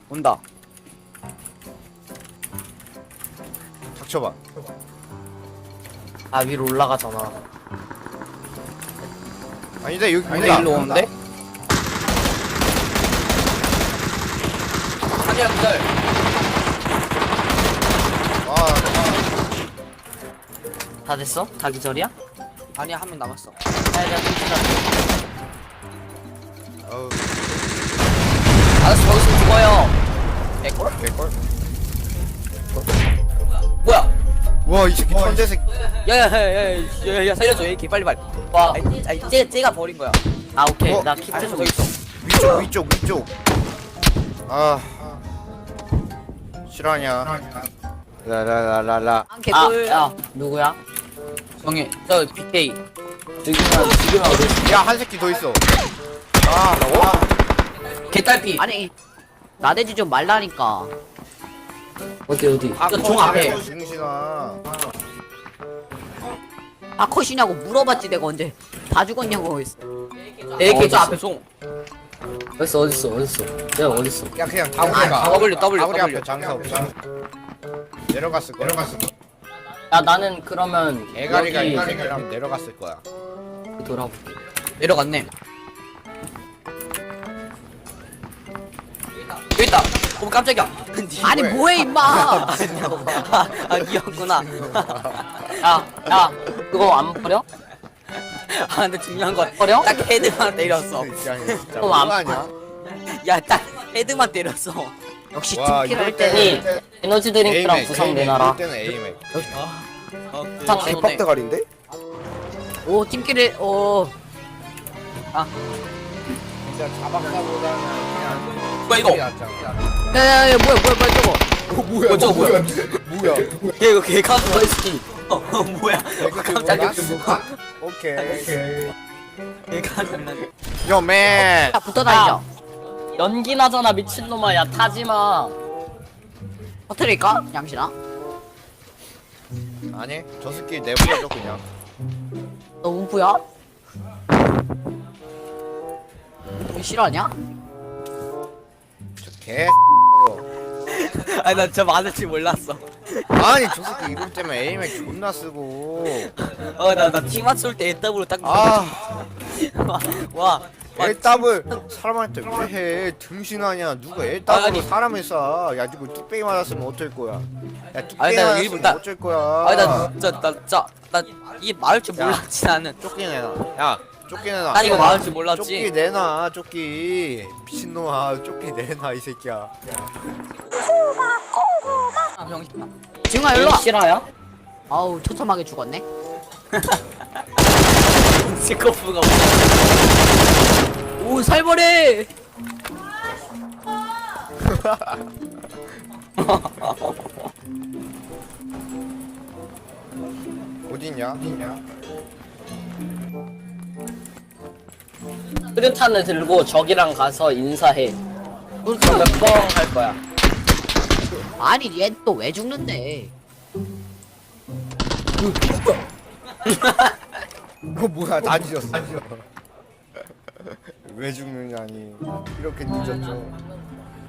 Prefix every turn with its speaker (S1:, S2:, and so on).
S1: 온다.
S2: 닥쳐봐.
S3: 아 위로 올라가잖아.
S2: 아니다 여기
S1: 근데
S2: 온다.
S1: 일로 오는데?
S3: 아니야 기다려. 다 됐어? 다 기절이야?
S1: 아니야, 한 명 남았어.
S3: 야야
S2: 어우
S1: 알았어, 거기서 죽어요. 개꿀?
S2: 개꿀.
S1: 뭐야?
S2: 와 이 새끼 천재 새끼.
S1: 야야야야야야 살려줘, AK 빨리.
S3: 와.
S1: 쟤가 버린 거야.
S3: 아 오케이
S2: 어?
S3: 나 키트
S1: 알았어,
S3: 좀
S1: 저기 있어.
S2: 위쪽. 아 실화냐? 라라라라라.
S1: 개꿀.
S3: 아야 누구야?
S1: 정해. 저 BK.
S3: 지금 어디?
S2: 야 한 새끼 더 있어. 아
S1: 개딸피.
S4: 아니 나대지 좀 말라니까.
S3: 어디?
S1: 종 앞에.
S2: 중신아.
S4: 아 컷이냐고 물어봤지 내가 언제 다 죽었냐고 했어.
S1: AK 저
S3: 어딨어?
S1: 앞에 송.
S3: 어딨어? 내가 어딨어?
S2: 야 그냥
S1: 아, W.
S2: 아무리 앞에 장사 없어. 내려갔을 거야.
S3: 야 나는 그러면
S2: 애가리가
S3: 여기
S2: 인생이라면 내려갔을 거야.
S3: 돌아볼게.
S1: 내려갔네. 여기 있다. 오 깜짝이야.
S4: 아니 뭐해 임마.
S1: 아 니였구나.
S3: 야 그거 안 버려?
S1: 아 근데 중요한 건
S3: 버려?
S1: 딱 헤드만 때렸어.
S2: 진짜
S3: 그럼 안
S2: 뭐하냐?
S1: 야 딱 헤드만 때렸어.
S4: 역시
S2: 와,
S4: 팀킬 할
S2: 이럴 때-
S4: 때는
S3: 아니 에너지 드링크랑 부상 내놔라.
S2: 이때는 에이맥.
S1: 딱
S3: 네.
S2: 대가리인데?
S4: 오 팀킬을 오
S2: 진짜 자박사보다는 그냥
S1: 뭐야 이거?
S4: 야야야 뭐야 저거.
S2: 뭐야
S1: 저거 뭐야?
S2: 뭐야?
S1: 얘 이거 개 카드.
S3: 버스키.
S1: 뭐야? 깜짝이야.
S2: 오케이.
S1: 개 카드 난.
S2: 요맨.
S4: 야 붙어 다니자.
S3: 연기 나잖아 미친놈아. 야 타지마.
S4: 터트릴까 양신아?
S2: 아니 저 새끼 내버려줘 그냥.
S4: 너 움프야? 너 싫어하냐?
S2: 개.
S1: 아니 난 저 많을 줄 몰랐어.
S2: 아니 저 새끼 이름 때문에 에이맥 존나 쓰고.
S1: 나팀 맞출 때 W로 딱.
S2: 아
S1: 와.
S2: L답을 사람한테 왜 해? 등신하냐? 누가
S1: 아니.
S2: L답으로 사람을 쏴? 야 누구 뚝배기 맞았으면 어쩔 거야? 야
S1: 아니,
S2: 뚝배기
S1: 나
S2: 맞았으면
S1: 일본 나-
S2: 어쩔 거야?
S1: 아니 나 이게 말할 줄
S2: 야.
S1: 몰랐지 나는.
S2: 쫓기 내놔. 야 쫓기 내놔.
S1: 난 이거 말할 줄
S2: 쫓기
S1: 몰랐지.
S2: 내놔. 쫓기 미친놈아. 쫓기 내놔 이 새끼야.
S1: 아, 병신.
S4: 지웅아 일로와.
S3: 실화야?
S4: 아우 처참하게 죽었네.
S1: 스코프가.
S4: 오 살벌해.
S2: 어딨냐?
S3: 수류탄을 들고 적이랑 가서 인사해. 그럼 몇번 할 거야?
S4: 아니 얘 또 왜 죽는데?
S2: 이거 뭐야? 다 뒤졌어. 왜 죽느냐니? 이렇게 늦었죠.